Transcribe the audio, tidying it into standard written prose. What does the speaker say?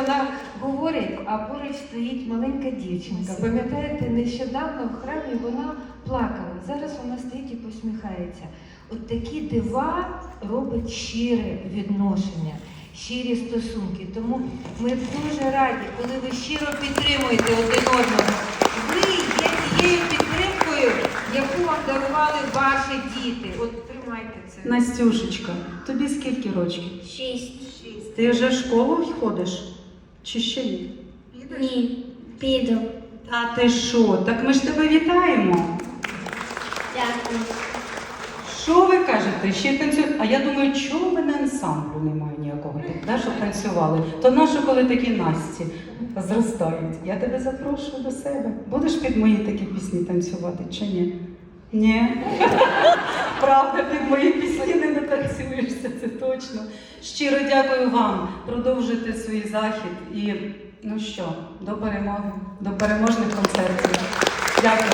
вона говорить, а поруч стоїть маленька дівчинка. Пам'ятаєте, нещодавно в храмі вона плакала. Зараз вона стоїть і посміхається. От такі дива робить щире відношення, щирі стосунки. Тому ми дуже раді, коли ви щиро підтримуєте один одного. Ви є тією підтримкою, яку вам дарували ваші діти. От тримайте це. Настюшечка, тобі скільки років? 6. Ти вже в школу ходиш? Чи ще ні? Ні. Піду. Та ти що? Так ми ж тебе вітаємо. Дякую. Що ви кажете? Ще танцюють? А я думаю, чого в мене ансамблю немає ніякого, да, щоб танцювали? То нащо, коли такі Насті зростають? Я тебе запрошую до себе. Будеш під мої такі пісні танцювати чи ні? Ні? Правда, під мої пісні не натанцюєшся, це точно. Щиро дякую вам. Продовжуйте свій захід і, ну що, до перемоги, до переможних концертів. Дякую.